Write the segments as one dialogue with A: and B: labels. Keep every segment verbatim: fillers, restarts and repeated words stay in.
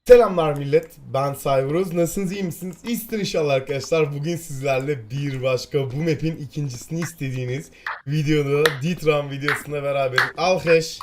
A: Selamlar millet, ben Cyberuz. Nasılsınız, iyi misiniz? İyisinizdir inşallah arkadaşlar. Bugün sizlerle bir başka bu map'in ikincisini istediğiniz videoda Ditran videosunda beraber. Alkış.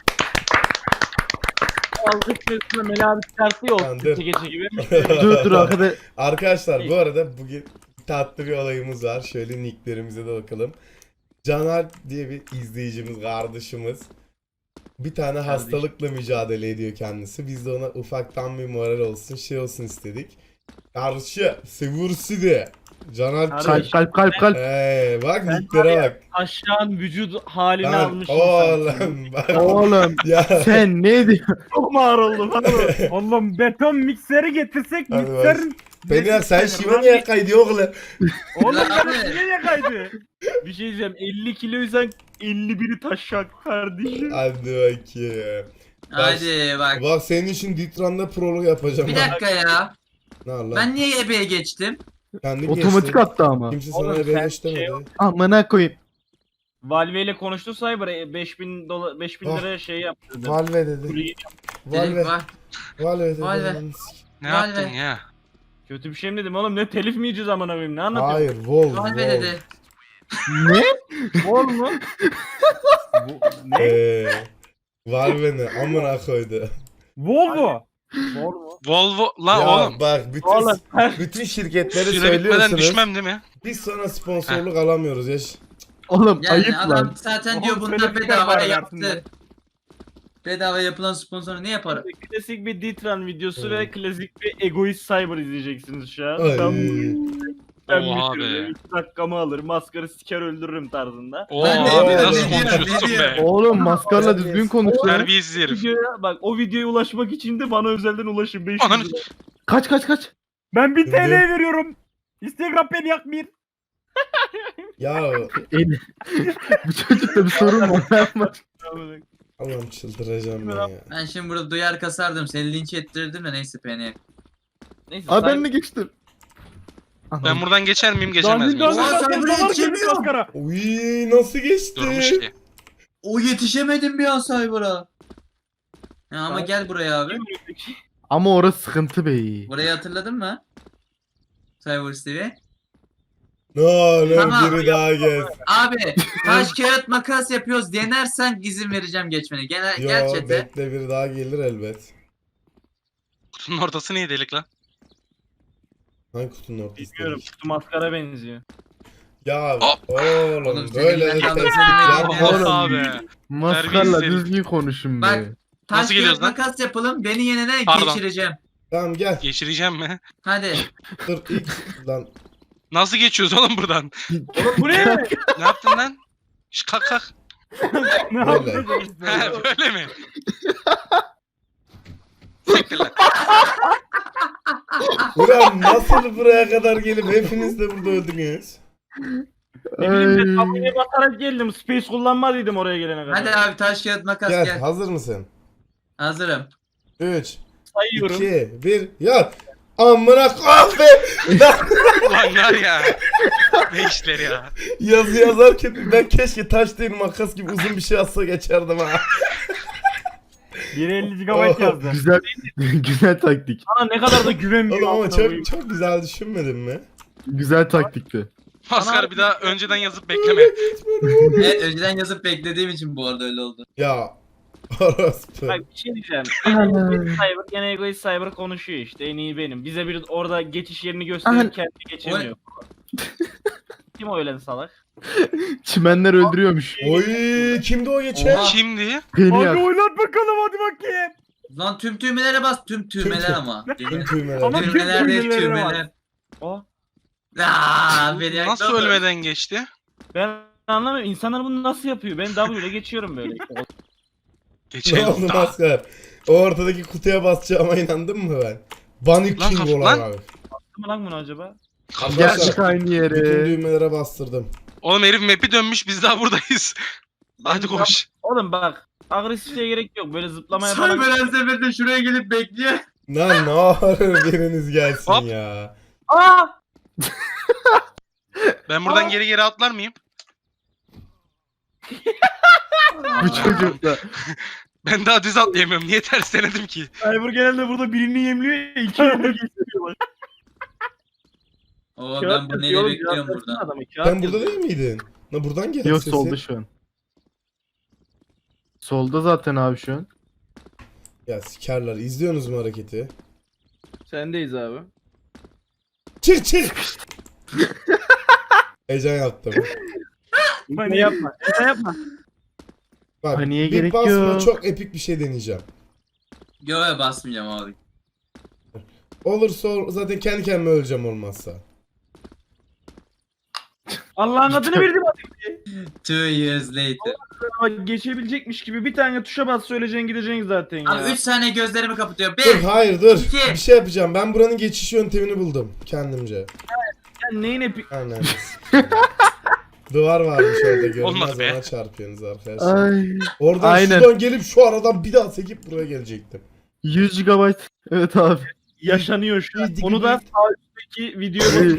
B: Aldık üstüne Meli abi çıkartıyor
A: Tamam,
B: olsun
A: dur.
B: gece gece gibi.
C: Dur dur arkada.
A: Arkadaşlar bu arada bugün tatlı bir olayımız var. Şöyle nicklerimize de bakalım. Caner diye bir izleyicimiz, kardeşimiz. Bir tane hastalıkla mücadele ediyor kendisi. Biz de ona ufaktan bir moral olsun, şey olsun istedik. Karşı, sevursi de. Caner
B: Kardeş.
C: Kalp kalp kalp kalp.
A: Eee bak
B: Ben
A: nicklere
B: var ya,
A: bak.
B: Aşağın vücut halini
A: Ben
B: almış insan.
A: oğlum bak.
C: Oğlum
A: Ya
C: sen ne diyorsun?
B: Çok mu ağır oldu lan bu? Oğlum beton mikseri getirsek
A: Hadi
B: mikserin...
A: beni ya sen
B: Mikser
A: şive
B: lan.
A: niye kaydı oğlum?
B: Oğlum
D: Lan
B: ben
D: abi.
B: niye yakaydı? Bir şey diyeceğim, elli kiloysan elli biri taşak kardeşim.
A: Hadi bakayım.
D: Hadi bak.
A: Bak senin için Ditran'da prolog yapacağım.
D: Bir
A: ha.
D: dakika ya.
A: Ne var lan?
D: Ben niye ebeye geçtim?
A: Kendin
C: Otomatik
A: geçtin.
C: attı ama.
A: Kimse sana
B: Oğlum
A: ebeye
B: sen
A: geç demedi.
B: şey-
C: Amına koyayım.
B: Valve ile konuştu Cyber e, beş bin dolar beş bin
A: Ah.
B: liraya şey yaptırdı.
A: Valve dedi.
B: Kuleyi-
A: Valve.
D: Dedik var.
A: Valve dedi.
D: Valve.
E: Ne
D: Vay
E: yaptın
D: be.
E: ya?
B: Kötü bir şey mi dedim oğlum, ne telif mi yiyeceğiz amına koyayım, ne anlatıyorsun?
A: Hayır, Vol.
D: Valve
A: Vol.
D: dedi.
C: Ne?
B: Vol mu? Bu- ne?
A: Eee. Valve ne? Amına koydu.
B: Volvo. Volvo.
E: Volvo lan
A: Ya
E: oğlum.
A: bak bütün
B: Oğlum.
A: bütün şirketleri
E: Süre bitmeden
A: söylüyorsunuz.
E: düşmem değil mi?
A: Biz sonra sponsorluk alamıyoruz ya.
C: Oğlum
D: Yani
C: ayıp
D: adam
C: lan.
D: zaten diyor
B: Oğlum,
D: bunlar
B: böyle bir şey
D: bedava
B: var
D: yaptı.
B: hayatında.
D: Bedava yapılan sponsoru ne yapar?
B: Klasik bir Ditran videosu
A: Hmm.
B: ve klasik bir egoist cyber izleyeceksiniz şu an.
A: Ay.
B: Ben, ben
E: Oha
B: bitiririm,
E: be.
B: iki dakikamı alır, maskarı siker öldürürüm tarzında.
E: Oo
D: Ben de-
E: abi
A: Ne
E: nasıl
D: diyor,
E: konuşuyorsun
D: ne
E: be?
C: Oğlum maskarla düzgün konuş lan.
E: Terbiyesiz herif.
B: Videoya, bak o videoya ulaşmak için de bana özelden ulaşın beş yüz
E: Ananı-
B: lira.
C: Kaç kaç kaç.
B: Ben bir
A: Şimdi-
B: T L veriyorum. Instagram beni yakmayın.
A: Ya
C: El. Bu çocukta bir sorun var. Yapma.
A: Allah'ım çıldıracağım ben ya.
D: Ben şimdi burada duyar kasardım. Seni linç ettirirdim de neyse beni.
B: Neyse.
C: Abi ben
B: cyber-
C: de geçtim.
E: Ben buradan geçer miyim geçemez
B: Dandik
E: miyim?
B: dandik
D: Oha, sen
B: dandik
D: buraya
B: dalar gibi
D: geçemiyorsun.
B: maskara.
A: Uy nasıl geçti?
E: Durmuş ki.
D: O yetişemedim bir an Cyber'a. Ya ama
B: Ben-
D: gel buraya abi.
C: Ama orası sıkıntı be.
D: Burayı hatırladın mı? Cyber Stevie.
A: Ne olur
D: Tamam.
A: biri daha gez.
D: Abi taş kağıt makas yapıyoruz. Denersen izin vereceğim geçmene. Gel,
A: Yo
D: gel chat'e.
A: bekle biri daha gelir elbet.
E: Kutunun ortası niye delik lan?
A: Hangi kutunun ortası?
B: Bilmiyorum, kutu maskara benziyor.
A: Ya
E: Hop.
A: oğlum,
D: Oğlum,
A: böyle
D: senin
A: de
D: yandan
A: tespit
D: seni
A: yapma.
D: bekliyorum.
A: Oğlum,
E: Oha be.
C: Maskarla
E: Terbiyesiz.
C: düzgün konuşun
D: Bak.
C: be.
D: Taş
E: Nasıl geliyoruz
D: kağıt
E: lan?
D: makas yapalım. Beni yenene
E: Pardon.
D: geçireceğim.
A: Tamam gel.
E: Geçireceğim mi?
D: Hadi.
A: Dur ilk lan.
E: Nasıl geçiyoruz oğlum buradan?
B: Oğlum bu ne?
E: Ne yaptın lan? Şş kalk kalk.
B: Ne
A: Böyle.
B: yapıyorsun?
E: He böyle mi? Siktir lan.
A: Ulan nasıl buraya kadar gelip hepiniz de burada öldünüz?
B: Ne bileyim ben
C: Ay.
B: tabuya basarak geldim. Space kullanmadıydım oraya gelene kadar.
D: Hadi abi taş kağıt makas
A: Gel,
D: gel.
A: hazır mısın?
D: Hazırım.
A: üç,
B: Sayıyorum.
A: iki, bir, yat. Amına kahve.
E: Ulan var ya. Ne işler ya.
A: Yazı yazarken ben keşke taş değil makas gibi uzun bir şey yazsa geçerdim ha.
B: biri elli gigabayt
A: Oh.
B: yazdı.
C: Güzel güzel taktik.
B: Sana ne kadar da güvenmiyor.
A: Oğlum ama
B: amına koyayım.
A: çok çok güzel düşünmedin mi?
C: Güzel taktikti.
E: Maskar bir daha önceden yazıp bekleme.
D: Evet önceden yazıp beklediğim için bu arada öyle oldu.
A: Ya orospu.
B: Bak bir şey diyeceğim. Egoist Cyber, gene Egoist Cyber konuşuyor işte. En iyi benim. Bize bir orada geçiş yerini gösterip
C: Aha.
B: kendi geçemiyor. Kim o ölen salak?
C: Çimenler öldürüyormuş.
A: Oy kimdi o geçen?
D: Oha.
E: Şimdi
C: Beni
B: Hadi
C: yak.
B: oynat bakalım, hadi bakayım.
D: Lan tüm düğmelere bas. Tüm düğmeler
A: tüm-
D: ama.
A: Tüm tüymeler.
B: Ama- tüm
D: Düğmeler değil
B: düğmelere
D: düğmeler.
B: O.
D: Aaa beni yaktı.
E: nasıl ölmeden geçti?
B: Ben anlamıyorum. İnsanlar bunu nasıl yapıyor? Ben W ile geçiyorum böyle.
A: Ne
E: Geçelim.
A: oldu maskar? O ortadaki kutuya basacağıma inandın mı ben? Bunny
E: Lan
A: King
E: kaf-
A: olan
E: lan.
A: abi.
B: Baktı mı lan bunu acaba?
C: Gel çık aynı
A: Bütün
C: yere.
A: düğmelere bastırdım.
E: Oğlum herif map'i dönmüş biz daha buradayız. Hadi koş.
B: Oğlum bak. Agresifliğe gerek yok. Böyle zıplamaya falan.
D: Cyber her seferinde şuraya gelip bekliyor.
A: Lan ne olur biriniz gelsin
E: Hop.
A: ya.
B: Aa!
E: Ben buradan geri geri atlar mıyım?
C: Bu çocuk da.
E: Ben daha düz atlayamıyorum. Niye ters denedim ki?
B: Cyber genelde burada birini yemliyor, iki yemliyor geçiyor.
D: Oo ben bu neyi bekliyorum burada.
A: Sen burada değil miydin? La buradan gel
C: Yok
A: sesi.
C: solda şu an. Solda zaten abi şu an.
A: Ya sikerler. İzliyorsunuz mu hareketi?
B: Sendeyiz abi.
A: Çık çık. Heyecan yaptım.
B: Ne yapma. Ne yapma.
A: Bak
C: Paniğe
A: bir
C: gerek
A: basma
C: yok.
A: çok epik bir şey deneyeceğim.
D: Göğe basmayacağım abi.
A: Olursa ol- zaten kendi kendime öleceğim olmazsa.
B: Allah'ın adını verdim
D: Two years later.
B: ama geçebilecekmiş gibi bir tane tuşa bas söyleyeceksin gideceksin zaten ya.
D: Abi üç saniye gözlerimi kapatıyor.
A: Dur
D: Bir.
A: hayır dur.
D: İki.
A: Bir şey yapacağım. Ben buranın geçiş yöntemini buldum kendimce.
B: Sen neyin epik?
A: Aynen. Duvar varmış orada görünmez
E: Olmadı be.
A: ona çarpıyorsunuz arkadaşlar.
C: Ay.
A: Oradan
C: Aynen.
A: şuradan gelip şu aradan bir daha sekip buraya gelecektim.
C: yüz gigabayt. Evet abi.
B: Yaşanıyor şu an.
A: Bir-
B: Onu da
A: bir-
B: sağ üstteki videoda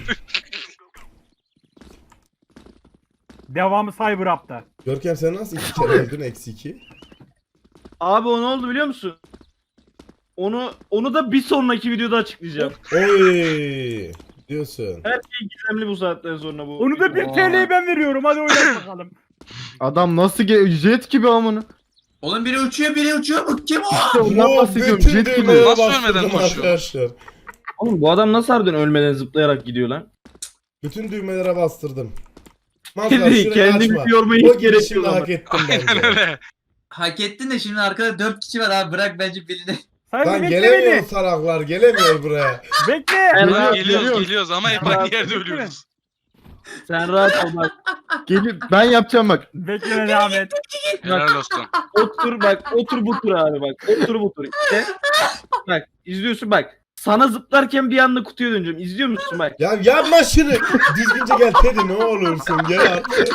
F: Devamı Cyber Up'ta.
A: Görkem sen nasıl iki kere öldün eksi iki?
B: Abi o ne oldu biliyor musun? Onu onu da bir sonraki videoda açıklayacağım.
A: Oy diyorsun.
B: Her şey gizemli bu saatten sonra bu.
F: Onu da bir T L'yi ben veriyorum. Hadi oynat bakalım.
C: Adam nasıl ge- jet gibi amına.
D: Oğlum biri uçuyor biri uçuyor. Bu kim o?
C: İşte ondan
A: Oo,
C: bahsediyorum.
A: bütün
C: Jet gibi.
A: düğmeye
E: Nasıl
A: bastırdım
E: ölmeden koşuyor?
A: arkadaşlar.
B: Oğlum bu adam nasıl harbiden ölmeden zıplayarak gidiyor lan?
A: Bütün düğmelere bastırdım. Mazhar
B: Kendi,
A: şurayı
B: kendimi
A: açma.
B: yormaya
A: O
B: hiç gerek
A: girişimi
B: yok ama.
A: hak ettim
E: Aynen
A: bence.
E: öyle.
D: Hak ettin de şimdi arkada dört kişi var abi. Bırak bence birini.
F: Cyber
A: Lan
F: bekle
A: gelemiyor
F: beni.
A: saraklar gelemiyor buraya.
F: Bekle.
B: Ben
C: Geliyor,
B: rahat,
E: Geliyoruz
C: geliyor.
E: geliyoruz ama hep aynı yerde ölüyoruz.
B: sen rahat ol bak.
C: Gelip ben yapacağım bak.
F: Bekleme devam et.
E: Helal olsun.
B: Otur bak otur bu tur abi bak. Otur bu tur. İşte. Bak izliyorsun bak. Sana zıplarken bir anda kutuya döneceğim. İzliyor musun bak?
A: Ya yapma şunu. Düzgünce gel Teddy ne olursun gel artık.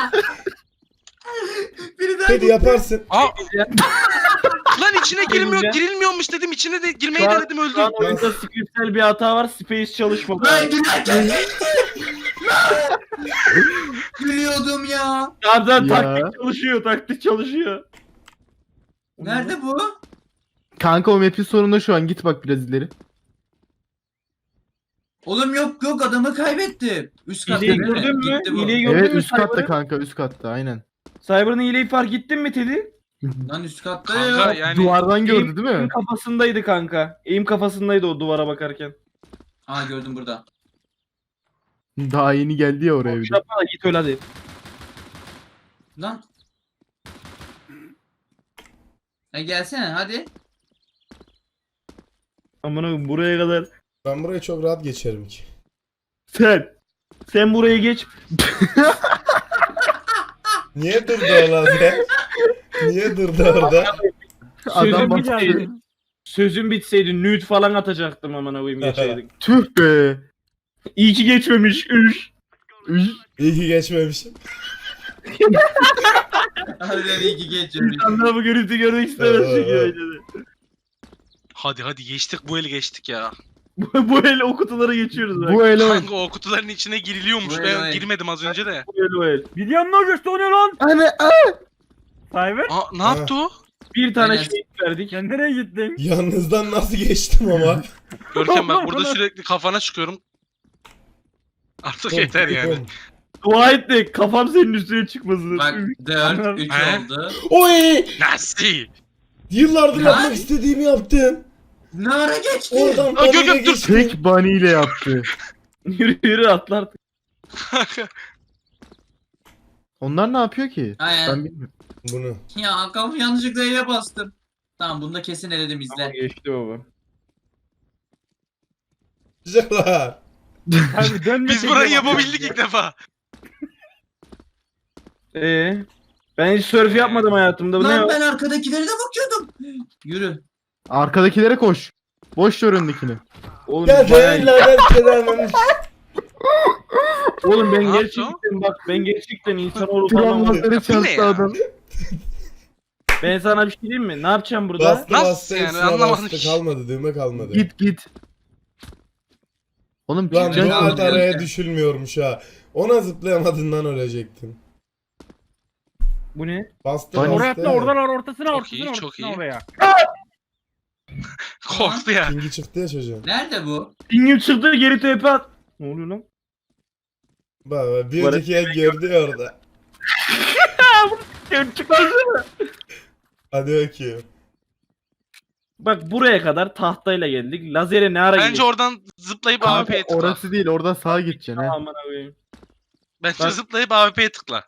D: Biri daha
A: Teddy yaparsın.
E: Aa! Lan içine girmiyor,
B: Gelince-
E: girilmiyormuş dedim. İçine de girmeyi
B: Şu an-
E: denedim
B: Şu
E: öldüm.
B: an oyunda scriptsel bir hata var. Space çalışmadı.
D: Lan gülerken gülüyordum ya.
B: Zaten
C: Ya.
B: taktik çalışıyor. Taktik çalışıyor.
D: Nerede bu?
C: Kanka o map'in sonunda şu an git bak biraz ileri.
D: Oğlum yok yok adamı kaybettim. Üst katta
B: İleyi
D: değil mi?
B: gördün mü?
D: Gitti bu.
B: İleyi gördün
C: Evet
B: mü
C: üst katta
B: Cyber'ın?
C: kanka üst katta aynen.
B: Cyber'ın hileyi fark ettin mi Teddy?
D: Lan üst katta
E: Kanka
D: ya.
E: yani
C: Duvardan gördü değil
B: Eğim
C: mi?
B: kafasındaydı kanka. Eğim kafasındaydı o duvara bakarken.
D: Aa gördüm burada.
C: Daha yeni geldi ya oraya bir de.
B: Yapma da git öyle hadi.
D: Lan. E gelsene hadi.
B: Amına buraya kadar.
A: Ben burayı çok rahat geçerim ki.
B: Sen. Sen buraya geç.
A: Niye durdu o sen? Niye durdu orada?
B: Sözüm
C: Adam
B: bitseydi.
C: baktı.
B: Sözüm bitseydi nude falan atacaktım amına koyayım geçeydik.
C: Tüh be.
B: İyi ki geçmemiş. Üş.
C: Üş.
A: İyi ki geçmemişim.
D: Harbiden iyi ki geçiyorum.
B: İnsanlar bu görüntü görmek istemez çünkü öyle de.
E: hadi hadi geçtik bu eli geçtik ya.
B: Bu, bu el o kutulara geçiyoruz bak.
C: Bu ele
E: Kanka o kutuların içine giriliyormuş.
D: Bu
E: Ben
D: el, o el.
E: girmedim az önce de.
B: Bu el o el.
F: Biliyorum ne olacak? O ne lan?
C: Hani
F: Cyber.
E: Aa ne yaptı o?
B: Bir tane
D: Aynen.
B: şey verdik.
F: Sen nereye gittin?
A: Yalnızdan nasıl geçtim ama.
E: Görkem bak burada sürekli kafana çıkıyorum. Artık yeter yani.
B: Dua et de kafam senin üstüne çıkmasın.
D: Bak dört, üç
E: He?
D: oldu.
A: Oy!
E: Nasıl?
A: Yıllardır
D: Ya.
A: yapmak istediğimi yaptım.
D: Ne ara geçti?
A: Oradan
E: Aa,
A: oraya
E: Gökhan, dur.
A: geçtim.
C: tek bunny ile yaptı.
B: Yürü yürü atlar.
C: Onlar ne yapıyor ki? Ben
D: Aynen.
C: bilmiyorum.
A: Bunu.
D: Ya kafamı yanlışlıkla ele bastım. Tamam bunu da kesin eledim
B: Tamam
D: izle.
B: geçti baba.
A: Güzeller.
F: Cyber dönme.
E: Biz
F: tekrar
E: burayı
F: bak.
E: yapabildik ilk defa.
B: Ee, ben hiç surf yapmadım hayatımda. Bu ne
D: Lan
B: o?
D: ben arkadakilere de bakıyordum. Yürü.
C: Arkadakilere koş. Boş ver öndekini.
B: Oğlum,
A: Ya
B: bayağı-
A: değiller tedavilemiş.
B: Oğlum ben
E: Ne yaptı
B: gerçekten bak ben gerçekten insan olup anlamadım.
C: Tramvazları
E: ne
C: çarptı
E: ya?
C: adam.
B: Ben sana bir şey diyeyim mi? Ne yapacağım burada?
A: Bastı
E: Nasıl
A: bastı
E: yani?
A: hepsine
E: Anlamadım
A: bastı
E: ki.
A: kalmadı düğme kalmadı.
C: Git git. Oğlum
A: Lan
C: çıkacaksın.
A: Doğat
D: Güzel.
A: araya düşülmüyormuş ha. Ona zıplayamadığından ölecektin.
B: Bu ne?
A: Bastı
C: Bana-
F: Oraya
A: bastı.
F: atla oradan ortasına
E: Çok
F: ortasına
E: iyi, çok
F: ortasına
E: iyi.
F: oraya.
E: Korktu ya.
A: Pingi çıktı ya çocuğun.
D: Nerede bu?
B: Pingim çıktı geri tepe at. Ne oluyor lan?
A: Bak bak bir
B: Bana-
A: önceki el gördü ya orada.
B: Geri çıkmaz.
A: Hadi bakayım.
B: Bak buraya kadar tahtayla geldik. Lazere ne ara
E: Bence
B: geldik?
E: oradan zıplayıp
C: Kanka,
E: A W P'ye tıkla.
C: orası değil, oradan sağa gideceksin ha.
B: Aman koyayım.
E: Bence
B: Bak-
E: zıplayıp A W P'ye tıkla.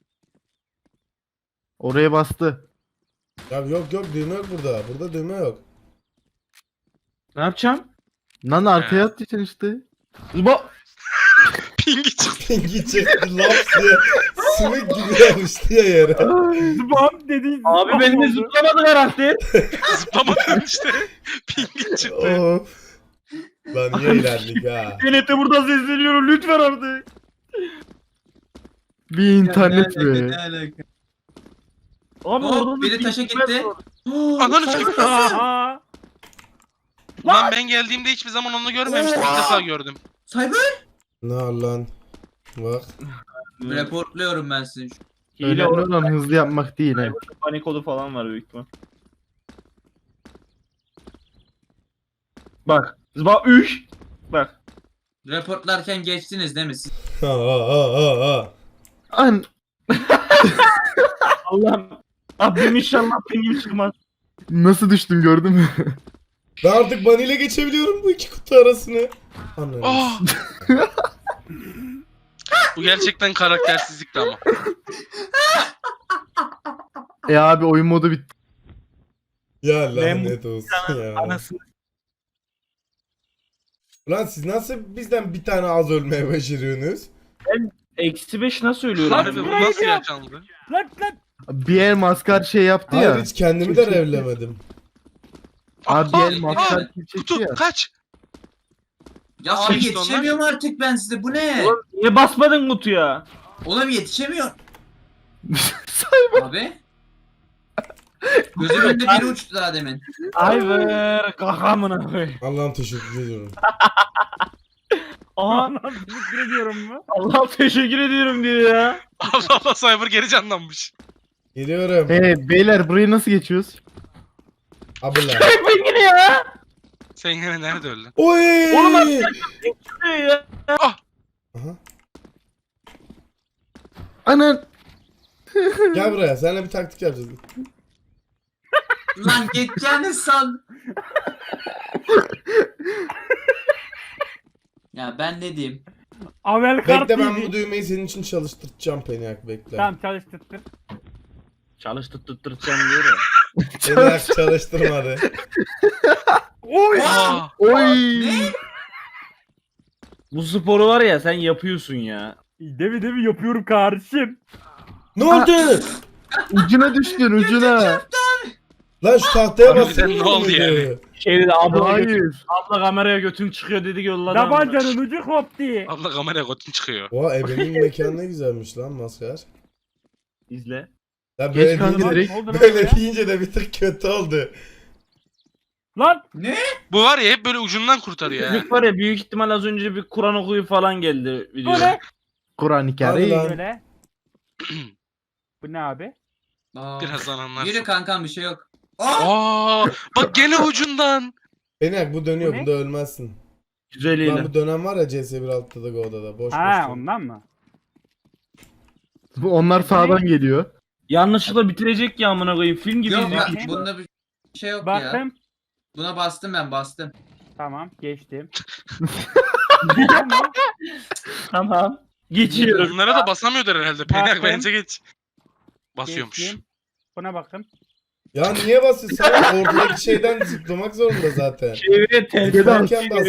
C: Oraya bastı.
A: Ya yok yok düğme yok burada. Burada düğme yok.
B: Ne yapacağım?
C: Lan arkaya atacaksın işte.
B: Zıba.
E: Pingi çıktı.
A: Pingi çıktı laps diye. Sümük gibi yapıştı ya yere.
F: Zıbam dedi.
B: Abi
F: zıbam
B: benimle
F: oldu.
B: zıplamadın herhalde.
E: Zıplamadın işte. Pingi çıktı.
A: Of. Lan niye eğlendik ha?
B: Denete burada sesleniyorum lütfen artık.
C: Bir internet
D: Ya, ne alaka,
C: be.
D: ne alaka?
B: Abi
D: Hop,
B: oradan da
D: biri
B: bir
D: taşa
B: gitmez
D: gitti.
B: var.
E: Ananı çıktı.
F: Aha.
E: Lan ben geldiğimde hiçbir zaman onu görmemiştim. İlk defa gördüm.
D: Cyber.
A: Ne var lan? Bak.
D: Reportluyorum ben sizi.
B: Hile
C: Önemli
B: orada
C: olan hızlı yapmak değil ha.
B: panik kodu falan var büyük ihtimal. Bak. Zıba üç. Bak.
D: Reportlarken geçtiniz değil mi siz?
A: Ha ha ha ha ha.
C: An
B: Allah'ım. Abim inşallah pingim çıkmaz.
C: nasıl düştüm gördün mü?
A: Ben artık Bunny ile geçebiliyorum bu iki kutu arasını. Anladım.
E: Oh! Bu gerçekten karaktersizlikti ama.
C: E abi oyun modu bitti.
A: Ya
B: Ben bu-
A: lanet olsun ya.
B: Anasını.
A: Ulan siz nasıl bizden bir tane az ölmeye başarıyorsunuz?
B: Eksi beş nasıl ölüyorum?
E: Harbi bu nasıl yaşandı?
F: Lan lan.
C: Bir el maskar şey yaptı
A: Hayır
C: ya.
A: hiç kendimi de revlemedim.
C: Abi bir
E: Aa,
C: el maskar
D: aa,
C: kim çekti
E: Kutu
C: ya.
E: kaç?
D: Ya
E: Nasıl
D: abi
E: geçti onlar?
D: yetişemiyorum artık ben size. Bu ne?
B: Oğlum niye basmadın kutuya?
D: Oğlum yetişemiyorum. Abi. Gözümün önünde biri uçtu daha demin.
B: Ayver kakamına koy.
A: Allah'ım teşekkür ediyorum.
B: Aha
F: Lan teşekkür ediyorum mu?
B: Allah teşekkür ediyorum diyor ya.
E: Allah Allah Cyber geri canlanmış.
A: Geliyorum.
C: E beyler burayı nasıl geçiyoruz?
A: Abla.
B: Ben yine ya.
E: Sen yine nerede öldün?
A: Oy!
B: Oğlum Diyor ya.
A: Aha.
C: Anan.
A: Gel buraya. Seninle bir taktik yapacağız.
D: Lan geçeceğini san. Ya ben ne diyeyim?
F: Avel kart
A: Bekle ben bu
F: yedi.
A: düğmeyi senin için çalıştıracağım Peniak bekle.
F: Tamam çalıştırttır.
B: Çalıştır tutturacağım diyor ya.
A: Peniak çalıştırmadı.
F: Oy.
E: Aa,
C: Oy.
B: Bu sporu var ya sen yapıyorsun ya.
F: Devi devi yapıyorum kardeşim.
A: Ne oldu?
C: Ucuna düştün ucuna.
A: Lan şu tahtaya
E: Abi
A: bassana.
E: bize ne oldu yani?
B: Şeyde de abla, götün,
C: Hayır.
B: abla kameraya götün çıkıyor dedi yolladı.
F: Tabancanın ucu koptu.
E: abla kameraya kotun çıkıyor.
A: Oha ebenin mekanı ne güzelmiş lan maskar.
B: İzle.
A: Ya
C: Geç
A: böyle
C: kanka
A: deyince,
C: direkt.
F: Ne oldu lan
A: böyle
F: oraya?
A: deyince de bir tık kötü oldu.
F: Lan.
E: Bu var ya hep böyle ucundan kurtarıyor ya.
B: Çocuk var ya büyük ihtimal az önce bir Kur'an okuyu falan geldi
F: Bu
B: video.
F: ne?
C: Kur'an-ı
A: Hadi
C: Kerim.
A: lan.
F: Böyle. Bu ne abi?
D: Aa,
E: Birazdan anlarsın.
D: Yürü kankam bir şey yok. Aa!
E: Aa, bak gene ucundan.
A: Peniak bu dönüyor
F: Bu ne?
A: bunda ölmezsin.
B: Güzeliyle.
A: Lan bu dönem var ya C S bir altta da Go'da da boş
F: Ha
A: boş.
F: ondan mı?
C: Bu onlar sağdan geliyor.
B: Yanlışlıkla bitirecek ya amına koyayım. Film gibi
D: Yok
B: izliyor.
D: bak bunda bir şey yok ya.
F: Baktım.
D: Buna bastım ben bastım.
F: Tamam geçtim.
B: Tamam. Geçiyorum.
E: Bunlara da basamıyordur herhalde. Peynak
F: Baktım.
E: bence geç. Basıyormuş.
F: Geçtim. Buna bakın.
A: Ya niye basıyorsun? Sen ortadaki şeyden zıplamak zorunda zaten.
B: Çevire ters.
A: Zıplarken bas.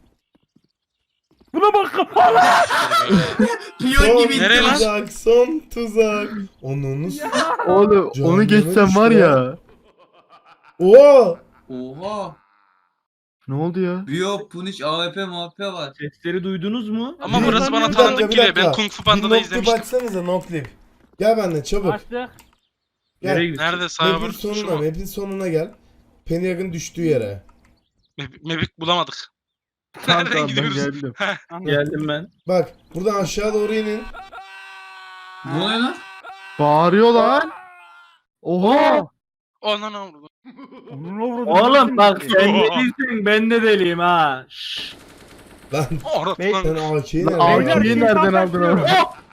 F: Buna bakın. Allah.
D: Piyon
A: Son
D: gibi
E: Nereye lan?
A: tuzak, son tuzak. Onun
C: Oğlum
A: Canım
C: onu geçsem var
A: işte.
C: ya.
A: Oo!
D: Oha.
C: Ne oldu ya?
D: Biyo, Punish, A W P, M V P var.
B: Sesleri duydunuz mu?
E: Ama
A: Bir-
E: burası
A: bir
E: bana
A: dakika,
E: tanıdık
A: bir
E: geliyor. Ben
A: dakika.
E: Kung Fu
A: Bir
E: Panda'da
A: noclip
E: izlemiştim.
A: açsanıza noclip. Gel benimle çabuk.
F: Açtık.
B: Nereye
A: Gel.
B: gidiyorsun?
E: Nerede Cyber?
A: Map'in
E: Şu
A: sonuna,
E: mu?
A: map'in sonuna gel. Peniak'ın düştüğü yere.
E: Map- Map'i bulamadık.
C: Tamam
E: Nereden
C: tamam ben
E: gidiyoruz?
C: geldim.
F: Anladım.
B: Geldim ben.
A: Bak buradan aşağı doğru inin.
D: Ne oluyor lan?
C: Bağırıyor lan. Oha.
E: Anan avradım.
F: Onun avradı.
B: Oğlum bak sen ne değilsin ben de deliyim ha. Şşş.
A: Lan
E: Avrat
F: Bey-
E: lan.
A: sen A K'yi
C: Lan
A: nereden
C: A K'yi
A: aldın?
C: nereden aldın abi?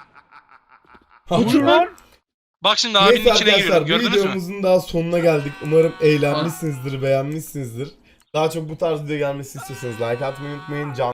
F: Uçur lan.
E: Bak şimdi abinin
A: Neyse
E: içine
A: arkadaşlar
E: giriyorum.
A: bu
E: Gördünüz mü?
A: videomuzun daha sonuna geldik. Umarım eğlenmişsinizdir, beğenmişsinizdir. Daha çok bu tarz video gelmesini istiyorsanız like atmayı unutmayın. Can